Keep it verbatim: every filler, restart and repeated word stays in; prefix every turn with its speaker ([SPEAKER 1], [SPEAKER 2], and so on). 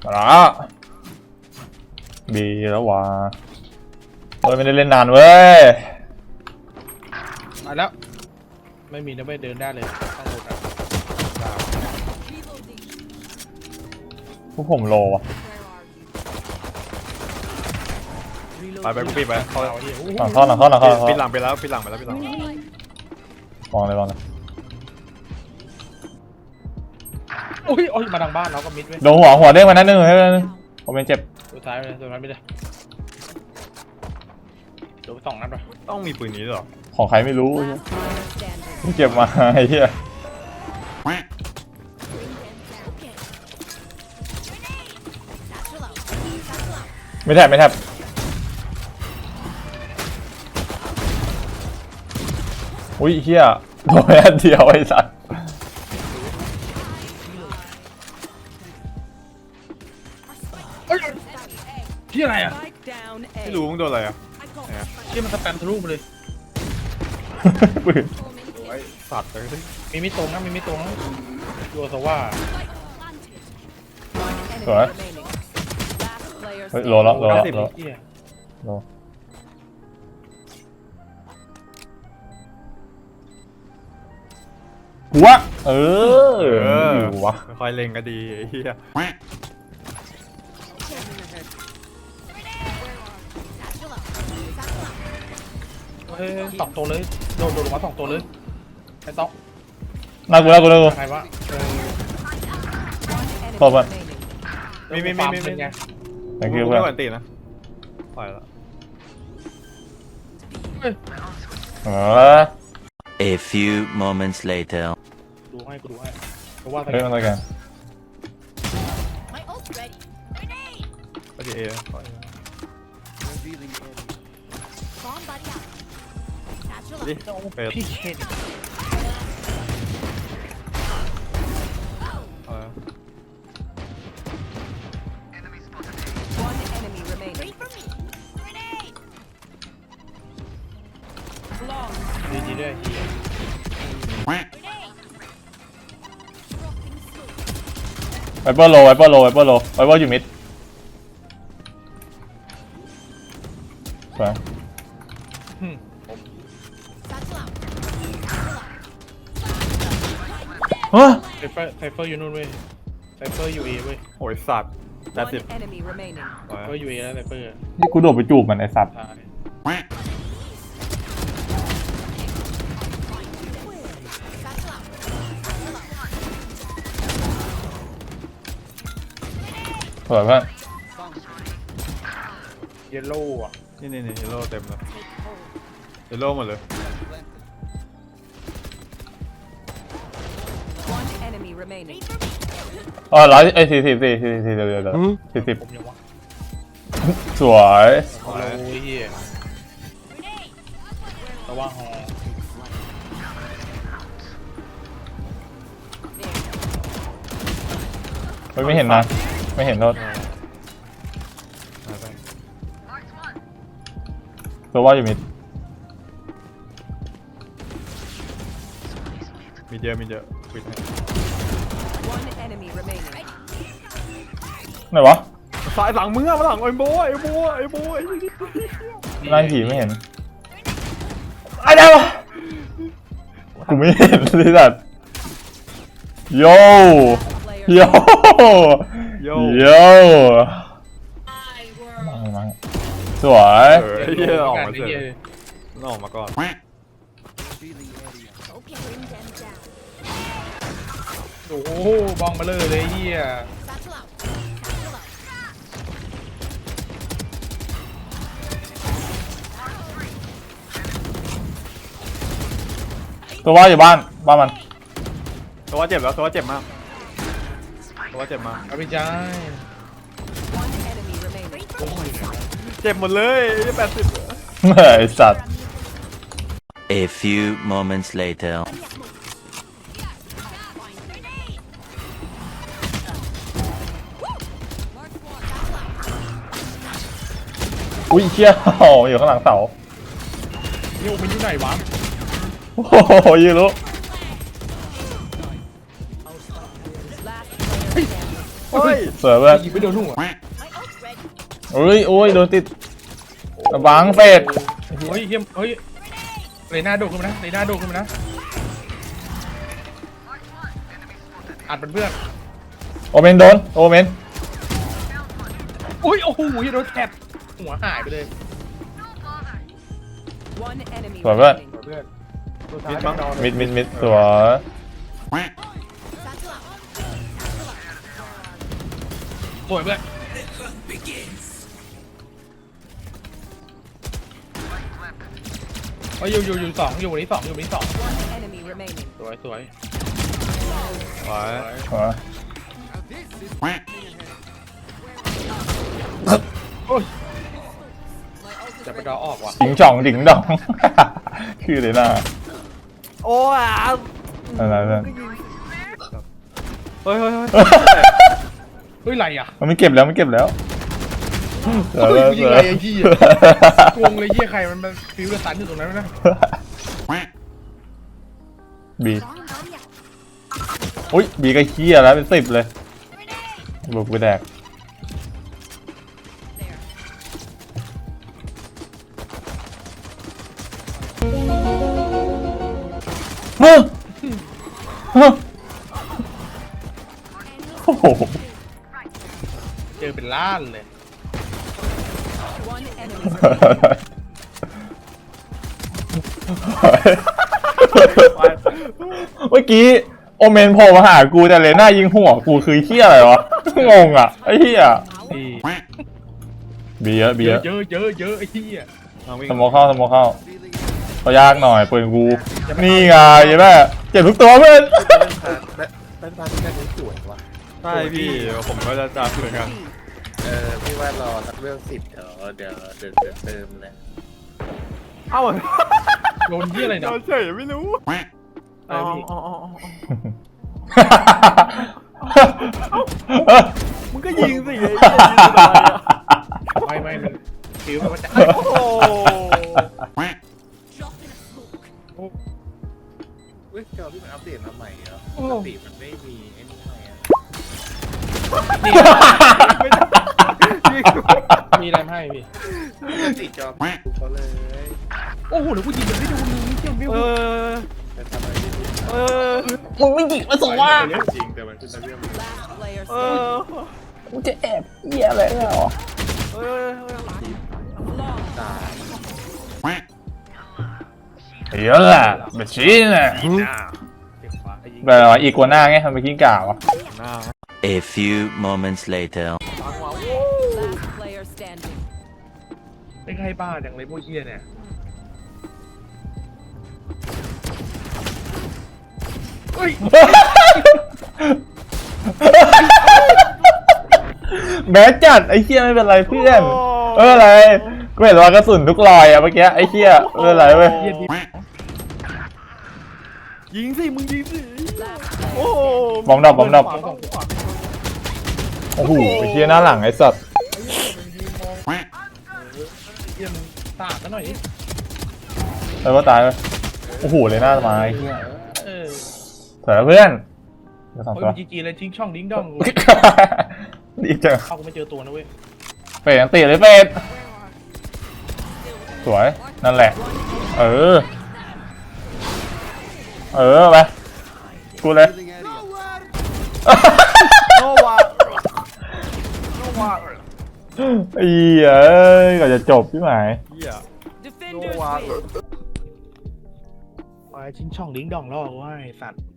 [SPEAKER 1] มาละบีแล้ววะเฮ้ยไม่ได้เล่นนานเว้ย
[SPEAKER 2] มาแล้วไม่มีนะไม่เดินได้เลยต้องโดนอ่ะ
[SPEAKER 1] พวกผมโลว่ะ
[SPEAKER 3] ไปไปกูปิดไปเขา
[SPEAKER 2] เอาดิ
[SPEAKER 1] หลังเข้าหลังเข้าหลังเข้าหลัง
[SPEAKER 3] ปิดหลั
[SPEAKER 1] เข้าง
[SPEAKER 3] ไปแล้วปิดหลังไปแล้วปิดหลัง
[SPEAKER 1] มองเลยมองเลย
[SPEAKER 2] โอ้ยโอ้ยมาทางบ้านเราก็มิดไว้
[SPEAKER 1] โดนหัวหัวเด้งมานัดนึงให้นัดนึงผมเป็นเจ็บ
[SPEAKER 2] สุดท้ายเลยสุดท้ายไม่ได้โดนสองนัดไป
[SPEAKER 3] ต้องมีปืนนี้หรอ
[SPEAKER 1] ของใครไม่รู้เก็บมาไอ้เหี้ยไม่แทบไม่แทบอุ้ยเหี้ยโดนอันเดียวไอ้สัตว์
[SPEAKER 2] ที่อะไรอ่ะ
[SPEAKER 3] ไม่รู้มึงโดนอะไรอ่ะ
[SPEAKER 2] ที่มันสแปมทะลุมาเลย
[SPEAKER 1] ปืน
[SPEAKER 3] ไอ้สัตว์เลย
[SPEAKER 2] มีมิตรงนะมีมิตรงนะดูซะว่า
[SPEAKER 1] สวยเฮ้ยโลแล้วโลแล้วโล
[SPEAKER 2] เหี้ย
[SPEAKER 1] โลหัวเอออยู่วะ
[SPEAKER 3] ค่อยเล็งก็ดีไอ้เหี้ย
[SPEAKER 2] เฮ้ยสองตัวเลยโดนโดนลงมาสองตัวเลยไอ้ต๊อก
[SPEAKER 1] น่ากลัวน่ากลัวน่ากลัว
[SPEAKER 2] ใครวะเออ
[SPEAKER 1] โทษมัน
[SPEAKER 3] มีมีมีมีมี
[SPEAKER 2] ไง
[SPEAKER 1] thank
[SPEAKER 3] กู
[SPEAKER 1] you
[SPEAKER 3] ไม่
[SPEAKER 1] เพื่อน
[SPEAKER 3] ก่อนตีนะปล่อยแล้ว
[SPEAKER 1] เออ
[SPEAKER 4] A few moments later.
[SPEAKER 2] ดูให้กูดูให้เพราะว่า
[SPEAKER 1] เฮ้ยมันอะไรกัน
[SPEAKER 3] ก็ดีเอปล่อยดิเป็ด
[SPEAKER 2] พี่เคน
[SPEAKER 3] เออ
[SPEAKER 2] ดีดีด้วยเฮีย
[SPEAKER 1] ไวเปอร์โลไวเปอร์โลไวเปอร์โลไวเปอร์อยู่มิดไปฮะ
[SPEAKER 2] ไซเฟอร์ไซเฟอร์อยู่นู่นเว้ยไซเฟอร์อยู่เอเว้ย
[SPEAKER 3] โอ้ยสัตว์แต่สิบ
[SPEAKER 5] enemy remaining.
[SPEAKER 3] ปล่อย
[SPEAKER 2] ไซเฟอร์อยู่เอแล้วไซเฟอร์
[SPEAKER 1] นี่กูโดดไปจูบมันไอสัตว์
[SPEAKER 2] ตาย
[SPEAKER 1] สวยเพื่อน
[SPEAKER 2] เยลโล่อะ
[SPEAKER 3] นี่นี่นี่เยลโล่เต็มแล้วเยลโล่หมดเลย
[SPEAKER 5] One enemy remaining.
[SPEAKER 1] อ๋อร้อยไอ้สี่สิบสี่สี่สี่เดี๋ยวเดี๋ยวเดี๋ยวสี่สิบ
[SPEAKER 2] ผมยังวะ
[SPEAKER 1] สวย
[SPEAKER 2] โอ้ยเฮียแต่ว่าฮอ
[SPEAKER 1] เฮ้ยไม่เห็นนะไม่เห็นโทษ
[SPEAKER 3] เอาไป
[SPEAKER 1] ตัวว่าอยู่มิด
[SPEAKER 3] มีเยอะมีเยอะปิดให้
[SPEAKER 5] One enemy remaining.
[SPEAKER 1] ไหนวะ
[SPEAKER 3] สายหลังมึงอะมาหลังไอ้โบไอ้โบไอ้โบไอ้
[SPEAKER 1] นั่งผีไม่เห็นไอ้เดี๋ยวกูไม่เห็นเลยสัตว์โย่
[SPEAKER 5] Player
[SPEAKER 1] โย่
[SPEAKER 3] โย่
[SPEAKER 1] โย่มามาสวย
[SPEAKER 3] เออไอ้เหี้ยออกมาเสร็จออกมาก่อน
[SPEAKER 2] โอ้โหบองมาเลยเลยเฮีย
[SPEAKER 1] ตัวว่าอยู่บ้านบ้านมัน
[SPEAKER 3] ตัวเจ็บแล้วตัวเจ็บมากตัวเจ็บมาก
[SPEAKER 2] เอาไปจ้า
[SPEAKER 5] One enemy remaining.
[SPEAKER 3] เจ็บหมดเลยแปดสิบ
[SPEAKER 1] ไอสัตว์
[SPEAKER 4] A few moments later.
[SPEAKER 1] อุ้ยเชี่ยอยู่ข้างหลังเสา
[SPEAKER 2] นี่มันอยู่ไหนวะ
[SPEAKER 1] โอ้โหยืนรู้
[SPEAKER 5] Last player standing.
[SPEAKER 3] เฮ้ย
[SPEAKER 1] สวยเพื่อน
[SPEAKER 2] ยิงไม่โดนหัว
[SPEAKER 1] โอ้ยโอ้ยโดนติดระวังเฟด
[SPEAKER 2] เฮ้ยเฮียมเฮ้ยเรน่าโดดขึ้นมานะเรน่าโดดขึ้นมานะอัดเป็นเพื่อน
[SPEAKER 1] โอเมนโดนโอเมน
[SPEAKER 2] อุ้ยโอ้โหโดนแทบหัวหายไปเลย
[SPEAKER 5] One enemy
[SPEAKER 1] สวยเพื่อน
[SPEAKER 5] remaining.
[SPEAKER 2] เพื่อน
[SPEAKER 3] มิดมั้ง
[SPEAKER 1] มิดมิดมิดสวย
[SPEAKER 2] สวยเพื่อนเฮ้ยอยู่อยู่อยู่สองอยู่วันนี้สองอยู่วันนี้สอง
[SPEAKER 5] One enemy remaining.
[SPEAKER 2] สวยสวย
[SPEAKER 3] ไว้
[SPEAKER 1] สวย
[SPEAKER 2] โอ้ยจะไปดอออกว่ะ
[SPEAKER 1] จิงจ่องจิงดอง ชื่อเลยน่า
[SPEAKER 3] โอ้ย
[SPEAKER 1] อะไรเพื่อน
[SPEAKER 3] เฮ้ยเฮ้ยเฮ้ย
[SPEAKER 2] เฮ้ยไรอ่ะ
[SPEAKER 1] มันไม่เก็บแล้วไม่เก็บแล้ว
[SPEAKER 2] เฮ้ยกูยิงไรไอ้ยี่กวงเลยยี่ใครมันมันฟิวกระสันอยู่ตรงนั้นนะ
[SPEAKER 1] บีอุ้ยบีก็เคี้ยแล้วเป็นสิบเลยบุกไปแดกเฮ้ยเฮ้ยโอ้โห
[SPEAKER 2] เจอเป็นล้านเลย
[SPEAKER 5] One enemy remaining.
[SPEAKER 1] เมื่อกี้โอเมนโผล่มาหากูแต่เลน่ายิงหัวกูคือเฮี้ยอะไรวะ งงอ่ะไอ้เฮี้ย
[SPEAKER 2] ที่
[SPEAKER 1] บีเยอะบี
[SPEAKER 2] เย
[SPEAKER 1] เย
[SPEAKER 2] อะ
[SPEAKER 1] อะ
[SPEAKER 2] เยอะเยอะเยอะไอ้ที่อ่ะ
[SPEAKER 3] ลองวิ่ง
[SPEAKER 1] สโมอเข้าสโมอเข้าเขายากหน่อยปืนกูนี่ไงยัยแม่เจ็บทุกตัวเพื่อน
[SPEAKER 6] เป็นพาที่แค่นี้สวยว่ะ
[SPEAKER 3] ใช่พี่ผมก็จะจับเหมือนกัน
[SPEAKER 6] เออพี่ว่ารอสักเรื่องสิบเดี๋ยวเดี๋ยวเดี๋ยวเดี๋ยวเติมเลย
[SPEAKER 3] เอ้า
[SPEAKER 2] โดนที่อะไร
[SPEAKER 3] โด
[SPEAKER 2] เนาะ
[SPEAKER 3] นเฉยไม่รู้
[SPEAKER 2] ไอ้พี่
[SPEAKER 3] อ๋ออ๋ออ๋อมึงก็ยิงสิไอ้เหี้ยยิงทำไมอะ
[SPEAKER 2] ไม่ไม่มันฟิวมันจะ
[SPEAKER 3] โอ้โห
[SPEAKER 6] เว้ยจอพี่มันอัปเดตมาใหม่เหรอปกติมันไม่มีไอ้นี่ให้อะ
[SPEAKER 2] มีอะไรให้พี่
[SPEAKER 6] ปกติจอกูเขาเลย
[SPEAKER 2] โอ้โหเดี๋ยวกูยิงมันไม่โดนเลยเจ้าไม่
[SPEAKER 3] เอ
[SPEAKER 2] โดน
[SPEAKER 3] อ
[SPEAKER 6] แต่ทำไมไม่รู้
[SPEAKER 3] เออ
[SPEAKER 1] มึงไม่ยิงมาส่งว่า
[SPEAKER 6] จริงแต่มันคือเรื่อง
[SPEAKER 5] Last player
[SPEAKER 3] เอ
[SPEAKER 5] standing.
[SPEAKER 3] อ
[SPEAKER 1] มึงจะแอบเหี้ยอะไรเหรอ
[SPEAKER 3] เออ
[SPEAKER 6] ตาย
[SPEAKER 1] เยอะอะแบบชี้น่ะ
[SPEAKER 2] เก็บฟ้ายิง
[SPEAKER 1] แบบว่าอีกัวหน้าไงมันไปกิ้งก่าวะ
[SPEAKER 3] หน้า
[SPEAKER 4] A few moments later.
[SPEAKER 5] Last player standing.
[SPEAKER 2] ไม่ใช่บ้าอย่างไรพวกเฮียเนี่ย เฮ้ย
[SPEAKER 1] แบดจัดไอ้เหี้ยไม่เป็นไรเพื่อนเอออะไรกูเห็นว่ากระสุนทุกรอยอะเมื่อกี้ไอ้เหี้ยเอออะไรเว้ย
[SPEAKER 2] เฮียดี
[SPEAKER 3] ยิงสิมึงยิงสิ
[SPEAKER 5] Last
[SPEAKER 3] โอ้
[SPEAKER 5] player.
[SPEAKER 1] บอมดับบอมดับ
[SPEAKER 2] ขวาสองขวา
[SPEAKER 1] โอ้โหไอ้เหี้ยหน้าหลังไอ้สัตว์
[SPEAKER 2] เฮียมันตาดซะหน่อยดิ
[SPEAKER 1] แล้วก็ตายเลยโอ้โหเลยหน้ามาไอ้เหี้ย
[SPEAKER 2] เออ
[SPEAKER 1] สวยแล้วเพื่อนเดี๋ยวสอง
[SPEAKER 2] โอ้ย
[SPEAKER 1] ตัว
[SPEAKER 2] จีจีเลยทิ้งช่องดิ้งด้องกู
[SPEAKER 1] ดีจัง
[SPEAKER 2] เข้ากูไม่เจอตัวนะเว้ย
[SPEAKER 1] เฟดยังตีเลยเฟดสวยนั่นแหละ เออ เออไปกูเลย
[SPEAKER 3] โนวาโนวา
[SPEAKER 1] ไอ้เหี้ยเอ้ยก็จะจบพี่หมาย
[SPEAKER 3] เหี้ย
[SPEAKER 5] Defenders
[SPEAKER 3] Wow.
[SPEAKER 5] win.
[SPEAKER 2] ไปทิ้งช่องดิ้งด้องล่อกูให้สัตว์